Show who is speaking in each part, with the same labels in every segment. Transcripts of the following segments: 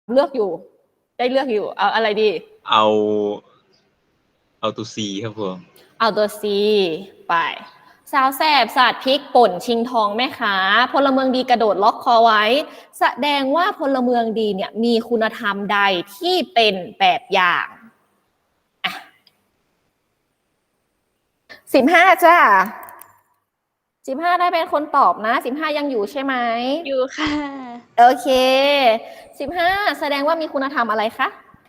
Speaker 1: เลือกอยู่ได้เลือกอยู่เอาอะไรดี
Speaker 2: เอาตัว C ครับผม
Speaker 1: เอาตัว C ไปสาวแสบสาดพริกป่นชิงทองแม่ค้าพลเมืองดีกระโดดล็อกคอไว้แสดงว่าพลเมืองดีเนี่ยมีคุณธรรมใดที่เป็นแบบอย่าง15จ้า15ได้เป็นคนตอบนะ15ยังอยู่ใช่ไหม
Speaker 3: อยู่ค่ะ
Speaker 1: โอเค15แสดงว่ามีคุณธรรมอะไรคะ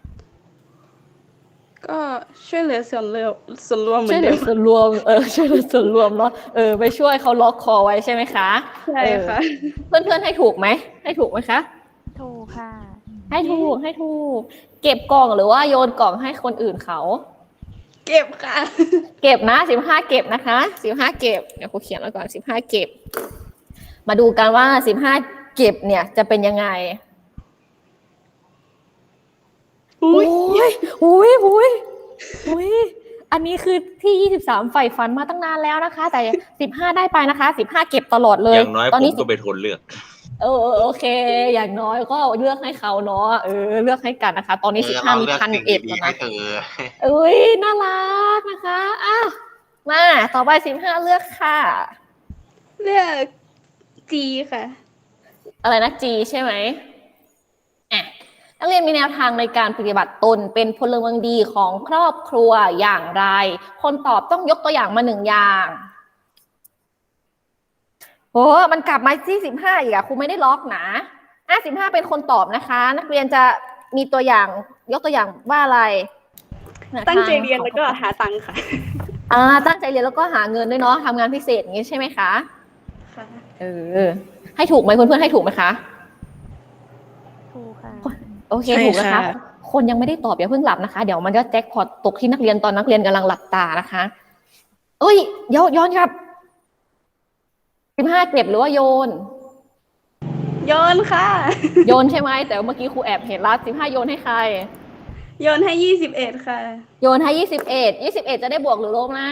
Speaker 3: ก็ช่วยเหลือส่วนรวมเหมื
Speaker 1: ช่
Speaker 3: อ
Speaker 1: วย
Speaker 3: น
Speaker 1: เหลื
Speaker 3: เดิ
Speaker 1: อ
Speaker 3: ม
Speaker 1: ส่วนรวมช่วยเหลือส่วนรวมเนาะไปช่วยเขาล็อกคอไว้ใช่ไหมคะ
Speaker 3: ใช่ค่ะ
Speaker 1: เพื่อนๆให้ถูกไหมให้ถูกไหมคะ
Speaker 4: ถูกค่ะ
Speaker 1: ให้ถูกเก็บกล่องหรือว่าโยนกล่องให้คนอื่นเขา
Speaker 3: เก็บค่ะ
Speaker 1: เก็บนะ15เก็บนะคะ15เก็บเดี๋ยวครูเขียนไว้ก่อน15เก็บมาดูกันว่า15เก็บเนี่ยจะเป็นยังไงอุ้ยอันนี้คือที่23ใฝ่ฝันมาตั้งนานแล้วนะคะแต่15ได้ไปนะคะ15เก็บตลอดเลย
Speaker 2: อย่างน้อยผมก็ไปทนเลือก
Speaker 1: โอเคอย่างน้อยก็เลือกให้เขาเนาะเลือกให้กันนะคะตอนนี้15มี1,001แล้วนะน่ารักนะคะมาต่อไป15เลือกค่ะ
Speaker 3: เลือก G ค่ะ
Speaker 1: อะไรนะ G ใช่ไหมนักเรียนมีแนวทางในการปฏิบัติตนเป็นพลเมืองดีของครอบครัวอย่างไรคนตอบต้องยกตัวอย่างมา1อย่างโอ้มันกลับมาที่15อีกอะครูไม่ได้ล็อกนะ15เป็นคนตอบนะคะนักเรียนจะมีตัวอย่างยกตัวอย่างว่าอะไร
Speaker 3: ตั้งใจเรียนแล้วก็หาตังค์ค่ะ
Speaker 1: ตั้งใจเรียนแล้วก็หาเงินด้วยเนาะทำงานพิเศษอย่างนี้ใช่ไหมคะ
Speaker 3: ค่ะ
Speaker 1: ให้ถูกไหมเพื่อนๆให้ถูกไหมคะ
Speaker 4: ถูกค่ะ
Speaker 1: โอเคถูกนะคะคนยังไม่ได้ตอบอย่าเพิ่งหลับนะคะเดี๋ยวมันจะแจ็คพอตตกที่นักเรียนตอนนักเรียนกำลังหลับตานะคะย้อนครับ15เก็บหรือว่าโยน
Speaker 3: ค่ะ
Speaker 1: โยนใช่ไหมแต่เมื่อกี้ครูแอบเห็นแล้ว15โยนให้ใคร
Speaker 3: โยนให้21ค่ะ
Speaker 1: โยนให้21จะได้บวกหรือลบนะ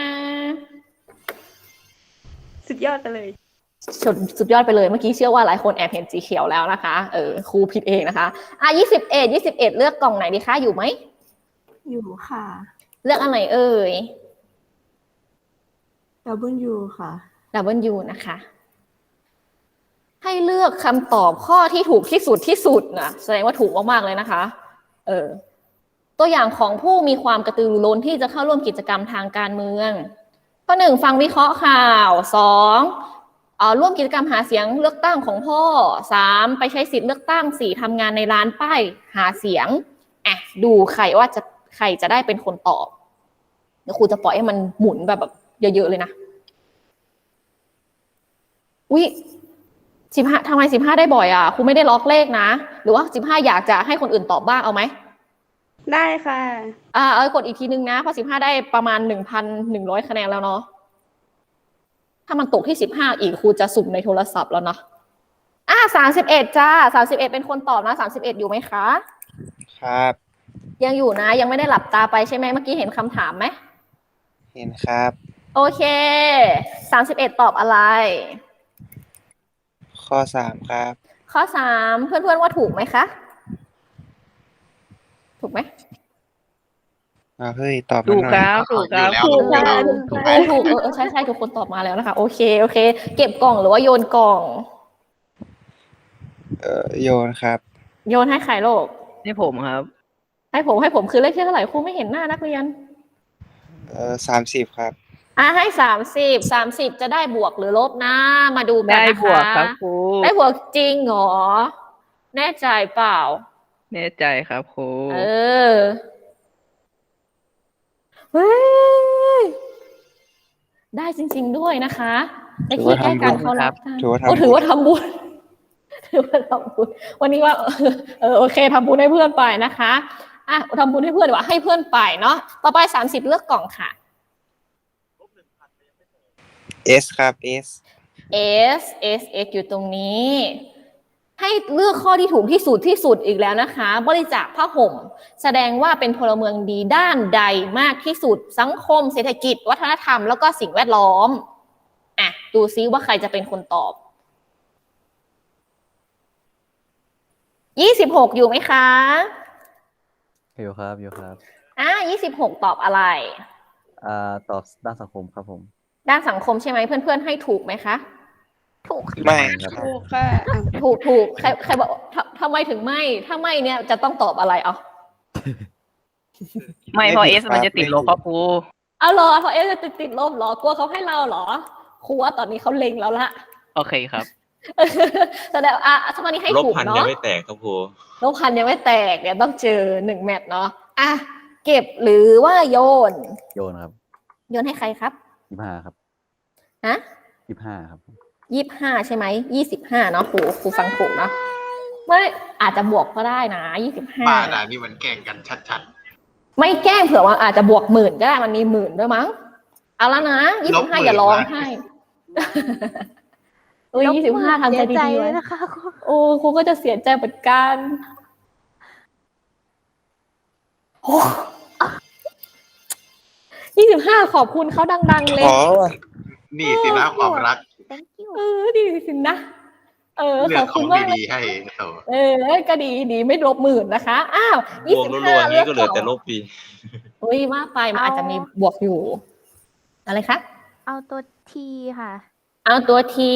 Speaker 3: สุดยอดไปเลย
Speaker 1: สุดยอดไปเลยเมื่อกี้เชื่อว่าหลายคนแอบเห็นสีเขียวแล้วนะคะครูผิดเองนะคะ21เลือกกล่องไหนดีคะอยู่ไหม
Speaker 4: อยู่ค่ะ
Speaker 1: เลือกอันไหนเอ่ย
Speaker 4: W ค่ะ
Speaker 1: W นะคะให้เลือกคำตอบข้อที่ถูกที่สุดนะแสดงว่าถูกมากๆเลยนะคะตัวอย่างของผู้มีความกระตือรือร้นที่จะเข้าร่วมกิจกรรมทางการเมืองข้อ1ฟังวิเคราะห์ข่าว2ร่วมกิจกรรมหาเสียงเลือกตั้งของพ่อ3ไปใช้สิทธิ์เลือกตั้ง4ทำงานในร้านป้ายหาเสียงดูใครจะได้เป็นคนตอบเดี๋ยวครูจะปล่อยให้มันหมุนแบบเยอะๆเลยนะ15ทำไม15ได้บ่อยครูไม่ได้ล็อกเลขนะหรือว่า15อยากจะให้คนอื่นตอบบ้างเอาไหม
Speaker 3: ได้ค่ะ
Speaker 1: กดอีกทีนึงนะเพราะ15ได้ประมาณ 1,100 คะแนนแล้วเนาะถ้ามันตกที่15อีกครูจะสุ่มในโทรศัพท์แล้วเนาะ31จ้า31เป็นคนตอบนะ31อยู่ไหมคะ
Speaker 5: ครับ
Speaker 1: ยังอยู่นะยังไม่ได้หลับตาไปใช่ไหมเมื่อกี้เห็นคำถามไหม
Speaker 5: เห็นครับ
Speaker 1: โอเค31ตอบอะไร
Speaker 5: ข้อ3ครับ
Speaker 1: ข้อ3เพื่อนๆว่าถูกไหมคะถูกไหม
Speaker 5: เฮ้ยตอบ
Speaker 3: ถูกครับถูก
Speaker 1: ใช่ทุกคนตอบมาแล้วนะคะโอเคเก็บกล่องหรือว่าโยนกล่อง
Speaker 5: โยนครับ
Speaker 1: โยนให้ใครโลก
Speaker 3: ให้ผมครับ
Speaker 1: ให้ผมคือเลขที่เท่าไหร่ครูไม่เห็นหน้านักเรียน
Speaker 5: 30ครับ
Speaker 1: ให้30จะได้บวกหรือลบนะมาดูกันนะคะ
Speaker 3: ได้บวกครับครู
Speaker 1: ได้บวกจริงเหรอแน่ใจเปล่า
Speaker 3: แน่ใจครับครู
Speaker 1: เฮ้ยได้จริงๆด้วยนะคะในที่ใกล้กันเขารับกันถือว่าทำบุญวันนี้ว่าโอเคทำบุญให้เพื่อนไปนะคะทำบุญให้เพื่อนดีกว่าให้เพื่อนไปเนาะต่อไป30เลือกกล่องค่ะ
Speaker 5: S ครับ
Speaker 1: S อยู่ตรงนี้ให้เลือกข้อที่ถูกที่สุดอีกแล้วนะคะบริจาคผ้าห่มแสดงว่าเป็นพลเมืองดีด้านใดมากที่สุดสังคมเศรษฐกิจวัฒนธรรมแล้วก็สิ่งแวดล้อมดูซิว่าใครจะเป็นคนตอบ 26อยู่ไหมคะ
Speaker 6: อยู่ครับอยู่ครับ
Speaker 1: 26ตอบอะไร
Speaker 6: ตอบด้านสังคมครับผม
Speaker 1: ด้านสังคมใช่ไหมเพื่อนๆให้ถูกไหมคะ ถูก
Speaker 5: ไม่
Speaker 6: ครับ
Speaker 3: ถูกค่ะ
Speaker 1: ถูกใครบอกทำไมถึงไม่ถ้าไม่เนี่ยจะต้องตอบอะไรเอา
Speaker 7: ไม่เพราะเอสมันจะติดลบครับครู
Speaker 1: เอาเหรอเพราะจะติดลบเหรอกลัวเขาให้เราเหรอครูว่าตอนนี้เขาเล็งแล้วละ
Speaker 7: โอเคครับ
Speaker 1: แสดงตอนนี้ให้
Speaker 2: ลบ
Speaker 1: ถูก
Speaker 2: พันยั
Speaker 1: เนาะ
Speaker 2: งไม่แตกครับครู
Speaker 1: ลบพันยังไม่แตกเนี่ยต้องเจอ1แมตช์เนาะเก็บหรือว่าโยน
Speaker 6: โยนครับ
Speaker 1: โยนให้ใครครับ
Speaker 6: 25ครับ
Speaker 1: ฮะ
Speaker 6: 25ครับ
Speaker 1: 25ใช่ไหม25เนาะครูฟังถูกเนาะไม่อาจจะบวกก็ได้นะ25
Speaker 8: บ้าด่านี่มันแกล้งกันชัด
Speaker 1: ไม่แกล้งเผื่อว่าอาจจะบวก10,000ก็ได้มันมี10,000ด้วยมั้งเอาแล้วนะ25อย่าร้องไห้25ทำใจ
Speaker 4: ใจ
Speaker 1: ดีๆ
Speaker 4: เล
Speaker 1: ไว้
Speaker 4: ยนะคะครู
Speaker 1: โอ้ครูก็จะเสียใจเหมือนกันโอ้25ขอบคุณเขาดังๆเลย
Speaker 5: ขอว่ะ
Speaker 8: ๆ นี่สินะความรัก
Speaker 4: thank you
Speaker 1: ดีสินะ
Speaker 8: เลื
Speaker 1: ข
Speaker 8: อ
Speaker 1: อก บ
Speaker 8: ข
Speaker 1: คุ
Speaker 8: อ
Speaker 1: ณ
Speaker 8: ง
Speaker 1: มาก
Speaker 8: ดีๆให้โถ
Speaker 1: ก็ดีไม่ลบ10,000นะคะอ้าว
Speaker 2: บวกรัวๆนี้ก็เหลือแต่ลบปี
Speaker 1: อุ้ยมากไปมันอาจจะมีบวกอยู่ อะไรคะ
Speaker 4: เอาตัวทีค่ะ
Speaker 1: เอาตัวที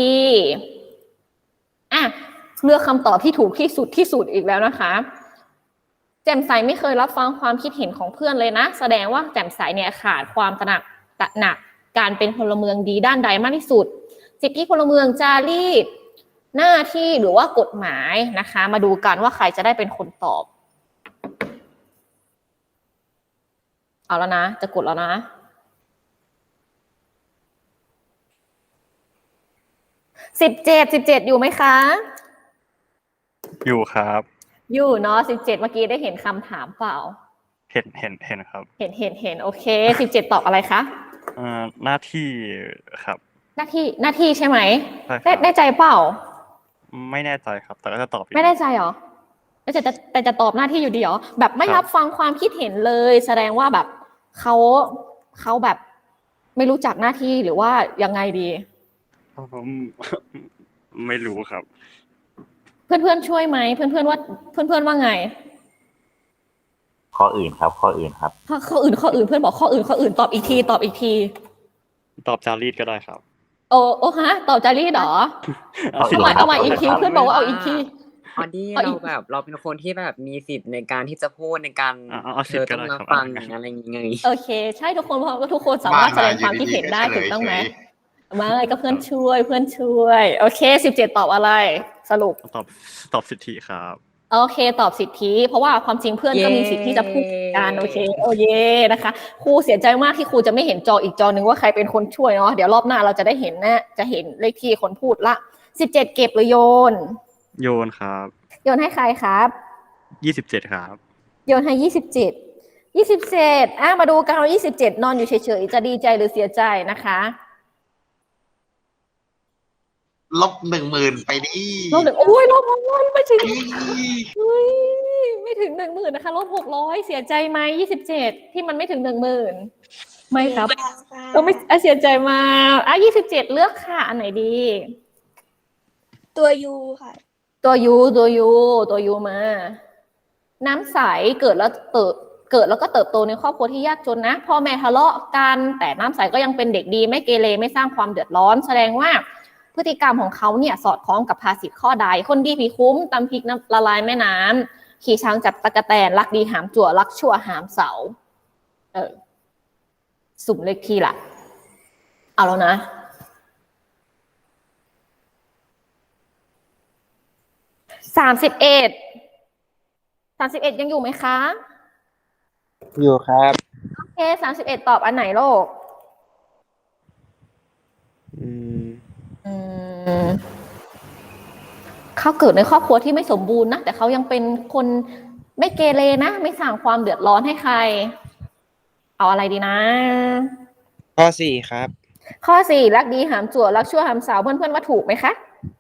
Speaker 1: เลือกคำตอบที่ถูกที่สุดอีกแล้วนะคะแจ่มใสไม่เคยรับฟังความคิดเห็นของเพื่อนเลยนะแสดงว่าแจ่มใสเนี่ยขาดความตระหนักการเป็นพลเมืองดีด้านใดมากที่สุดสิทธิพลเมืองจารีตหน้าที่หรือว่ากฎหมายนะคะ มาดูกันว่าใครจะได้เป็นคนตอบ เอาแล้วนะจะกดแล้วนะ17อยู่ไหมคะ
Speaker 9: อยู่ครับ
Speaker 1: อยู่เนาะ17เมื่อกี้ได้เห็นคำถามเปล่า
Speaker 9: เห็นครับ
Speaker 1: เห็นโอเค17ตอบอะไรคะ
Speaker 9: หน้าที่ครับ
Speaker 1: หน้าที่ใช่ไหม
Speaker 9: ใช่ครับ
Speaker 1: แน่ใจเปล่า
Speaker 9: ไม่แน่ใจครับ แต่ก็จะตอบอยู่
Speaker 1: ไม่แน่ใจเหรอแต่จะตอบหน้าที่อยู่ดีเหรอแบบไม่รับฟังความคิดเห็นเลย แสดงว่าแบบเขาแบบไม่รู้จักหน้าที่หรือว่ายังไงดี
Speaker 9: ผมไม่รู้ครับ
Speaker 1: เพื่อนช่วยไหมเพื่อนว่าไง
Speaker 10: ข้ออื่นครับ ข้ออื่นครับ
Speaker 1: ข้ออื่นเพื่อนบอกข้ออื่นตอบอีกที
Speaker 9: ตอบจารีตก็ได้ครับ
Speaker 1: โอ้ฮะตอบจารีตเหรอ เอาใหม่อีกทีเพื่อนบอกว่าเอาอีกที
Speaker 11: พอดีเราเป็นคนที่แบบมีสิทธิ์ในการที่จะพูดในการ
Speaker 9: เอาสิทธิ์ก็ได้
Speaker 11: ต้อง
Speaker 9: ครับ
Speaker 11: ฟังอะไรอย่างเงี้ย
Speaker 1: โอเค ใช่ทุกคนเพราะว่าทุกคนสามารถแสดงความคิดเห็นได้ถูกต้องไหมไม่ก็เพื่อนช่วยโอเค17ตอบอะไรสรุป
Speaker 9: ตอบสิทธิครับ
Speaker 1: โอเคตอบสิทธิเพราะว่าความจริงเพื่อนก็มีสิทธิ์ที่จะพูดกันโอเคโอเยนะคะครูเสียใจมากที่ครูจะไม่เห็นจออีกจอหนึ่งว่าใครเป็นคนช่วยเนาะเดี๋ยวรอบหน้าเราจะได้เห็นนะจะเห็นเลขที่คนพูดละ17เก็บหรือโยน
Speaker 9: โยนครับ
Speaker 1: โยนให้ใครครับ
Speaker 9: 27ครับ
Speaker 1: โยนให้27มาดูกันว่า27นอนอยู่เฉยๆจะดีใจหรือเสียใจนะคะ
Speaker 8: ลบ10,000ไปดิ
Speaker 1: ลบ1โอ้ยลบ600ไม่ถึงเฮ้ยไม่ถึง10,000นะคะลบ600เสียใจไหม27ที่มันไม่ถึง10,000ไม่ครับก็ไม่เสียใจมา27เลือกค่ะอันไหนดี
Speaker 3: ตัวยูค่ะ
Speaker 1: ตัวยูมาน้ำใสเกิดแล้วก็เติบโตในครอบครัวที่ยากจนนะพ่อแม่ทะเลาะกันแต่น้ำใสก็ยังเป็นเด็กดีไม่เกเรไม่สร้างความเดือดร้อนแสดงว่าพฤติกรรมของเขาเนี่ยสอดคล้องกับภาษิตข้อใดคนดีผีคุ้มตำพริกน้ำละลายแม่น้ำขี่ช้างจับตะกะแตนรักดีหามจั่วรักชั่วหามเสาสุ่มเลขที่ละเอาแล้วนะ31ยังอยู่ไหมคะ
Speaker 5: อยู่ครับ
Speaker 1: โอเค31ตอบอันไหนโลกเขาเกิดในครอบครัวที่ไม่สมบูรณ์นะแต่เขายังเป็นคนไม่เกเรนะไม่สร้างความเดือดร้อนให้ใครเอาอะไรดีนะ
Speaker 5: ข้อ4ครับ
Speaker 1: ข้อ4รักดีหามจั่วรักชั่วหามเสาเพื่อนๆว่าถูกไหมคะ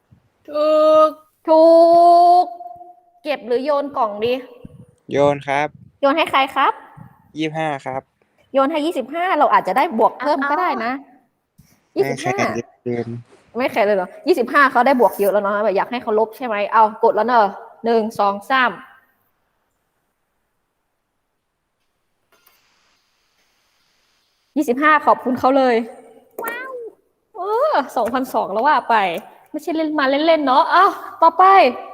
Speaker 1: ถูกเก็บหรือโยนกล่องดี
Speaker 5: โยนครับ
Speaker 1: โยนให้ใครครับ
Speaker 5: 25ครับ
Speaker 1: โยนให้25เราอาจจะได้บวกเพิ่มก็ได้นะ
Speaker 5: ไม่แข่งกันเกิน
Speaker 1: ไม่แข่งเลยเหรอ25เขาได้บวกเยอะแล้วเนาะแบบอยากให้เขาลบใช่ไหมเอากดแล้วเนอะ 1 2 3 25ขอบคุณเขาเลยว้าว2,200แล้วว่าไปไม่ใช่เล่นมาเล่นๆเนาะอ้าวต่อไป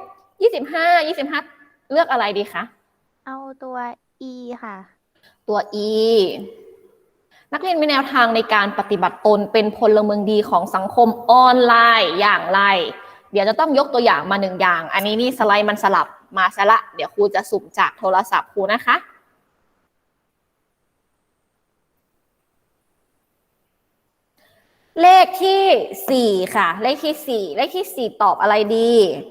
Speaker 1: 25เลือกอะไรดีคะ
Speaker 4: เอาตัว E ค่ะ
Speaker 1: ตัว E นักเรียนมีแนวทางในการปฏิบัติตนเป็นพลเมืองดีของสังคมออนไลน์อย่างไร เดี๋ยวจะต้องยกตัวอย่างมา1อย่างอันนี้นี่สไลด์มันสลับมาซะละเดี๋ยวครูจะสุ่มจากโทรศัพท์ครูนะคะเลขที่4ค่ะเลขที่4ตอบอะไรดี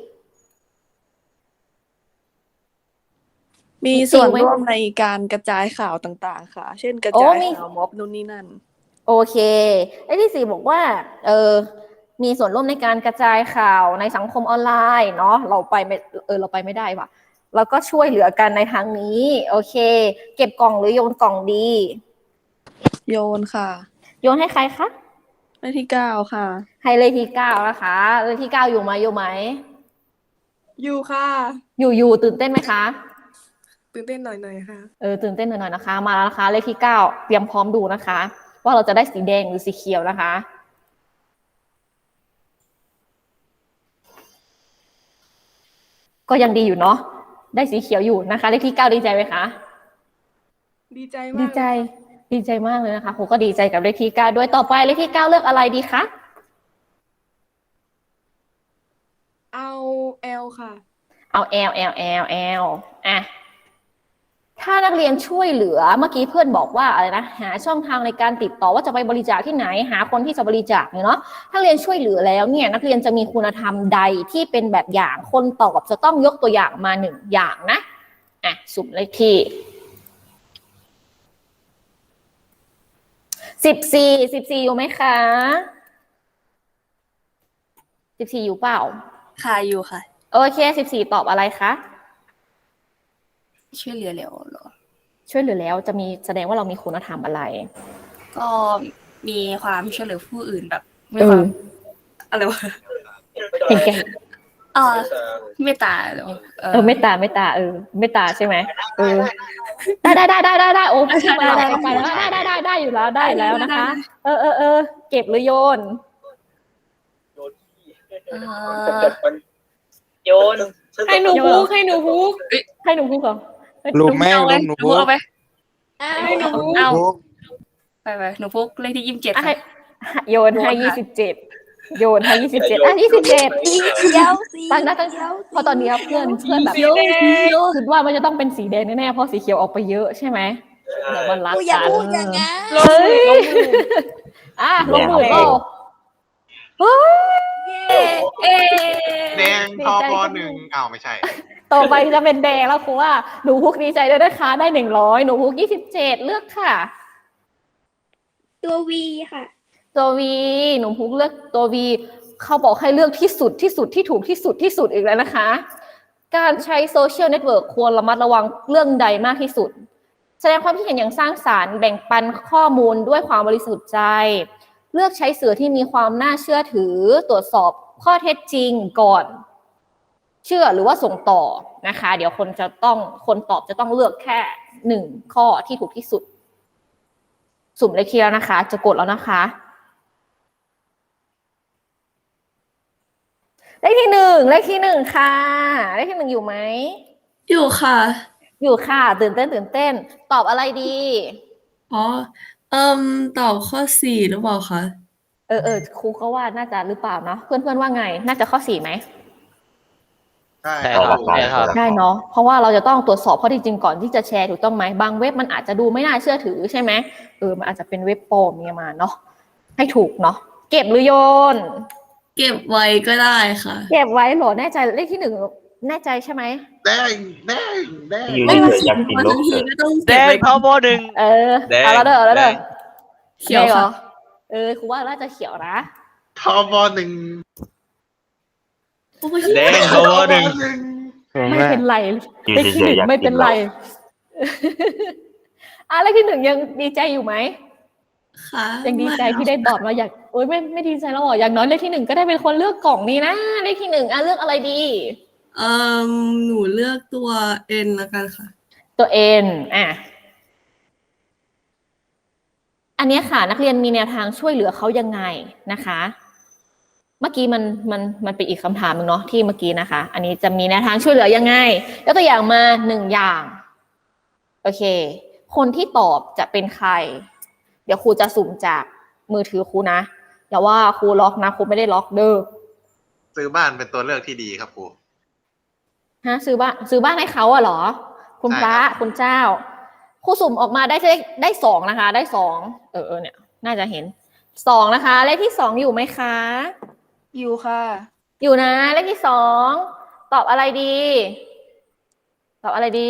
Speaker 3: มีส่วนร่วมในการกระจายข่าวต่างๆ ค่ะ เช่นกระจายข่าวม็อบนู่นนี่นั่น
Speaker 1: โอเคเลขที่4บอกว่ามีส่วนร่วมในการกระจายข่าวในสังคมออนไลน์เนาะเราไปไม่ได้ว่ะเราก็ช่วยเหลือกันในทางนี้โอเคเก็บกล่องหรือโยนกล่องดี
Speaker 3: โยนค่ะ
Speaker 1: โยนให้ใครคะ
Speaker 3: เลขที่9ค่ะ
Speaker 1: ให้เลขที่9นะคะเลขที่9อยู่ไหมอยู่ค่ะอยู่ตื่นเต้นไหมคะ
Speaker 3: ตื่นเต้นหน่อยๆค่ะ
Speaker 1: ตื่นเต้นหน่อยๆนะคะมาแล้วนะคะเลขที่9เตรียมพร้อมดูนะคะว่าเราจะได้สีแดงหรือสีเขียวนะคะก็ยังดีอยู่เนาะได้สีเขียวอยู่นะคะเลขที่9ดีใจไหมคะดีใจมากเลยนะคะครูก็ดีใจกับเลขที่9ด้วยต่อไปเลขที่9เลือกอะไรดีคะ
Speaker 3: เอา L ค่ะ
Speaker 1: เอา L อ่ะถ้านักเรียนช่วยเหลือเมื่อกี้เพื่อนบอกว่าอะไรนะหาช่องทางในการติดต่อว่าจะไปบริจาคที่ไหนหาคนที่จะบริจาคเนาะถ้าเรียนช่วยเหลือแล้วเนี่ยนักเรียนจะมีคุณธรรมใดที่เป็นแบบอย่างคนตอบจะต้องยกตัวอย่างมา1อย่างนะสุ่มเลขที่14อยู่ไหมคะ14อยู่เปล่า
Speaker 3: ค่ะอยู่ค่ะ
Speaker 1: โอเค14ตอบอะไรคะ
Speaker 3: ช่วยเหลือแล้วเหรอ
Speaker 1: ช่วยเหลือแล้วจะมีแสดงว่าเรามีคุณธรรมอะไร
Speaker 3: ก็มีความช่วยเหลือผู้อื่นแบบมีความอะไรวะ
Speaker 1: เห็นแก่
Speaker 3: เมตตาเหรอ
Speaker 1: เมตตาเมตตาใช่ไหมได้โอ้พูดมาหลายไปแล้วได้อยู่แล้วนะคะเก็บหรือโยน
Speaker 7: โยน
Speaker 1: ให้หนูพูกเหรอ
Speaker 5: ลูกแม่ลูกหนูพุก
Speaker 3: เอาไป
Speaker 1: ให้หนูพูก
Speaker 3: เอาไปหนูพุกเลขที่27ค่ะ
Speaker 1: โยนให้27โยนให้27ตั้งเพราะตอนนี้เพื่อนแบบคิดว่ามันจะต้องเป็นสีแดงแน่ๆเพราะสีเขียวออกไปเยอะใช่ไหมเดี๋ยวมันรักกันอย่าพูดอย่างนั้นลงมือก็
Speaker 8: แดงทอป1อ้าวไม่ใช่
Speaker 1: ต่อไปจะเป็นแดงแล้วครูว่าหนูพุกดีใจด้วยนะคะได้100หนูพุก27เลือกค่ะ
Speaker 3: ตัว V ค่ะ
Speaker 1: ตัว V หนูพุกเลือกตัว V เขาบอกให้เลือกที่สุดที่ถูกที่สุดอีกแล้วนะคะการใช้โซเชียลเน็ตเวิร์กควรระมัดระวังเรื่องใดมากที่สุดแสดงความคิดเห็นอย่างสร้างสรรค์แบ่งปันข้อมูลด้วยความบริสุทธิ์ใจเลือกใช้สื่อที่มีความน่าเชื่อถือตรวจสอบข้อเท็จจริงก่อนเชื่อหรือว่าส่งต่อนะคะเดี๋ยวคนตอบจะต้องเลือกแค่1ข้อที่ถูกที่สุดสุ่มเลขที่แล้วนะคะจะกดแล้วนะคะเลขที่1ค่ะเลขที่1อยู่ไหม
Speaker 3: อยู่
Speaker 1: ค่ะตื่นเต้นตอบอะไรดี
Speaker 3: ตอบข้อ4หรือเปล่าคะ
Speaker 1: ครูก็ว่าน่าจะหรือเปล่าเนาะเพื่อนว่าไงน่าจะข้อ4ไหม
Speaker 8: ได้ครับ
Speaker 1: ได้เนาะเพราะว่าเราจะต้องตรวจสอบข้อเท็จจริงก่อนที่จะแชร์ถูกต้องไหมบางเว็บมันอาจจะดูไม่น่าเชื่อถือใช่ไหมมันอาจจะเป็นเว็บปลอมเนี่ยมาเนาะให้ถูกเนาะเก็บหรือโยน
Speaker 3: เก็บไว้ก็ได้ค่ะ
Speaker 1: เก็บไว้เหรอแน่ใจเลขที่1แน่ใจใช่ไหม
Speaker 8: ได้
Speaker 3: ไม่มาอยากกินบางทีก็ต้อง
Speaker 7: แดงทอป1
Speaker 1: เอาแล้วเด้อเขียวเหรอครูว่าน่าจะเขียวนะ
Speaker 8: ทอป1
Speaker 7: แดงทอป1
Speaker 1: ไม่เป็นไรเลขที่1ไม่เป็นไรเลขที่1ยังดีใจอยู่ไหม
Speaker 3: ค่ะ
Speaker 1: ยังดีใจที่ได้ตอบเราอยากไม่ดีใจแล้วอย่างน้อยเลขที่1ก็ได้เป็นคนเลือกกล่องนี้นะเลขที่1เลือกอะไรดี
Speaker 3: เอ่หนูเลือกตัว N แล้วกันค่ะ
Speaker 1: ตัว N อันเนี้ยค่ะ นักเรียนมีแนวทางช่วยเหลือเขายังไงนะคะ เมื่อกี้มันเป็นอีกคำถามหนึงเนาะที่เมื่อกี้นะคะ อันนี้จะมีแนวทางช่วยเหลือยังไงยกตัวอย่างมา1 อย่างโอเค คนที่ตอบจะเป็นใคร เดี๋ยวครูจะสุ่มจากมือถือครูนะอย่าว่าครูล็อกนะครูไม่ได้ล็อกเด้อ
Speaker 8: ซื้อบ้านเป็นตัวเลือกที่ดีครับครู
Speaker 1: ฮะซื้อบ้านให้เขาอะเหรอ คุณพระ
Speaker 8: ใช่ครับ
Speaker 1: คุณเจ้าครูสุ่มออกมาได้2นะคะ ได้2เนี่ย น่าจะเห็น2นะคะ เลขที่2อยู่ไหมคะ
Speaker 4: อยู่ค่ะ
Speaker 1: อยู่นะ เลขที่2ตอบอะไรดี ตอบอะไรดี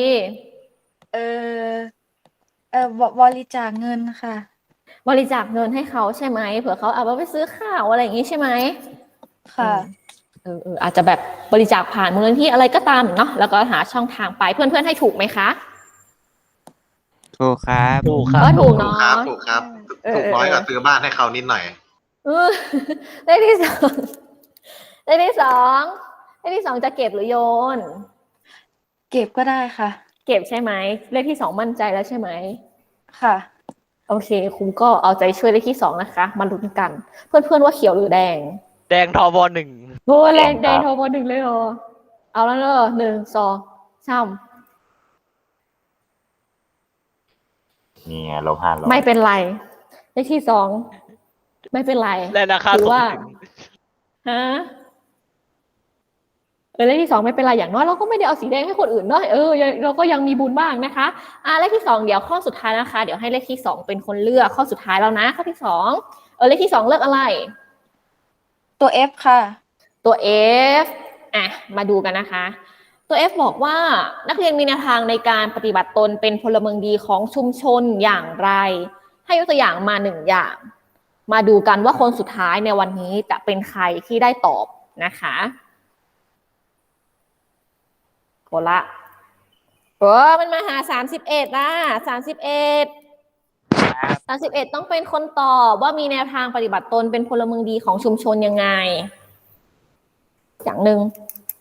Speaker 4: บริจาคเงินค่ะ
Speaker 1: บริจาคเงินให้เขาใช่ไหมเผื่อเขาเอาไปซื้อข้าวอะไรอย่างงี้ใช่ไหม
Speaker 4: ค่ะ
Speaker 1: อาจจะแบบบริจาคผ่านมูลนิธิอะไรก็ตามเนาะแล้วก็หาช่องทางไปเพื่อนๆให้ถูกไหมคะ
Speaker 5: ถูกครับ
Speaker 7: ถูกครับ
Speaker 1: ก็ถูก
Speaker 8: ถูก
Speaker 1: เนาะ
Speaker 8: ครับถูกครับ ถูกน้อยกว่าซื้อบ้านให้เขานิดหน่อย
Speaker 1: เออเลขที่สองเลขที่สองเลขที่2จะเก็บหรือโยน
Speaker 4: เก็บก็ได้ค่ะ
Speaker 1: เก็บใช่ไหมเลขที่2มั่นใจแล้วใช่ไหม
Speaker 4: ค่ะ
Speaker 1: โอเคครูก็เอาใจช่วยเลขที่2นะคะมาลุ้นกัน เพื่อนๆว่าเขียวหรือแดง
Speaker 7: แดงทบหนึ่ง
Speaker 1: โอ้แดงโทรบ1เลยเหรอเอาแล้วเนอะ1 2 3
Speaker 10: นี่ไง-500
Speaker 1: ไม่เป็นไรเลขที่2ไม่เป็นไร
Speaker 7: และราคา
Speaker 1: ถื
Speaker 7: สู
Speaker 1: อว่า
Speaker 7: ง
Speaker 1: ฮะเลขที่2ไม่เป็นไรอย่างน้อยเราก็ไม่ได้เอาสีแดงให้คนอื่นเนาะเราก็ยังมีบุญบ้างนะคะเลขที่2เดี๋ยวข้อสุดท้ายนะคะเดี๋ยวให้เลขที่2เป็นคนเลือกข้อสุดท้ายแล้วนะข้อที่2เลขที่2เลือกอะไร
Speaker 4: ตัว F ค่ะ
Speaker 1: ตัว F มาดูกันนะคะ ตัว F บอกว่านักเรียนมีแนวทางในการปฏิบัติตนเป็นพลเมืองดีของชุมชนอย่างไร ให้ยกตัวอย่างมา1 อย่าง มาดูกันว่าคนสุดท้ายในวันนี้จะเป็นใครที่ได้ตอบนะคะโกละมันมาหา31นะ31ต้องเป็นคนตอบว่ามีแนวทางปฏิบัติตนเป็นพลเมืองดีของชุมชนยังไง อย่างหนึ่ง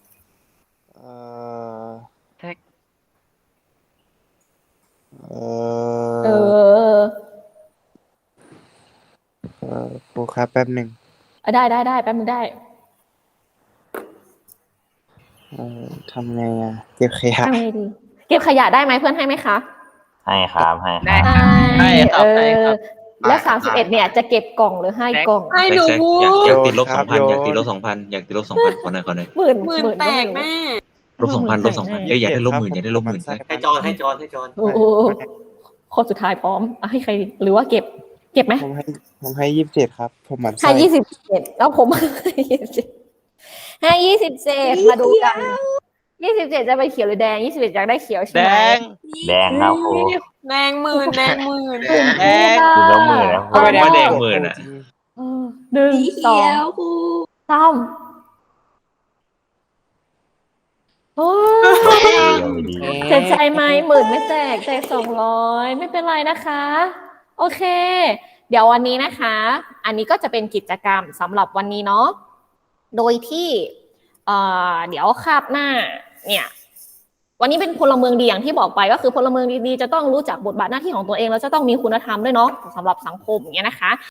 Speaker 5: ครูครับแป๊บหนึ่ง
Speaker 1: ได้แป๊บนึงได้
Speaker 5: ทำไงอ่ะ เก็บขยะ
Speaker 1: ทำไงดี เก็บขยะได้ไหมเพื่อนให้ไหมคะ
Speaker 10: ให้ครับให้
Speaker 7: ได้
Speaker 10: ครับ
Speaker 7: ให้ครับให้ครับ
Speaker 1: แล้ว31เนี่ยจะเก็บกล่องหรือให้กล่อง
Speaker 3: ให้หนู
Speaker 2: แซกอยากติดลบ
Speaker 5: ครับ
Speaker 2: 2,000
Speaker 5: โยน
Speaker 2: อยากติดลบ 2,000 อยากติดลบ 2,000ขอหน่อย
Speaker 1: หมื่น
Speaker 3: แตกแม่
Speaker 2: ลบ 2,000 ลบ 2,000อยากได้ลบ 10,000 อยากได้ลบ 10,000
Speaker 8: ให้จอนให้จอนให้จอน
Speaker 1: โอ้โหคนสุดท้ายพร้อมให้ใครดีหรือว่าเก็บไหม
Speaker 5: ผมให้27ครับ ผมหมั่น
Speaker 1: ให้
Speaker 5: ไส้
Speaker 1: 27แล้วผมให้27มาดูกัน27จะไปเขียวหรือแดง27อยากได้เขียวใช่
Speaker 7: แด
Speaker 1: ไหม
Speaker 7: ง
Speaker 10: แดงครับครู
Speaker 3: แดงหมื่น
Speaker 7: แดง
Speaker 10: คือละหมื่นนะครู
Speaker 2: ไม่ว่าแดงหมื่นอ่ะ
Speaker 1: 1 2 3โอ้เสียใจไหมหมื่นไม่แตก200ไม่เป็นไรนะคะ โอเค เดี๋ยววันนี้นะคะ อันนี้ก็จะเป็นกิจกรรมสำหรับวันนี้เนาะโดยที่เดี๋ยวคาบหน้าเนี่ย วันนี้เป็นพลเมืองดีอย่างที่บอกไปก็คือพลเมืองดีๆจะต้องรู้จักบทบาทหน้าที่ของตัวเองแล้วจะต้องมีคุณธรรมด้วยเนาะสำหรับสังคมอย่างเงี้ยนะคะ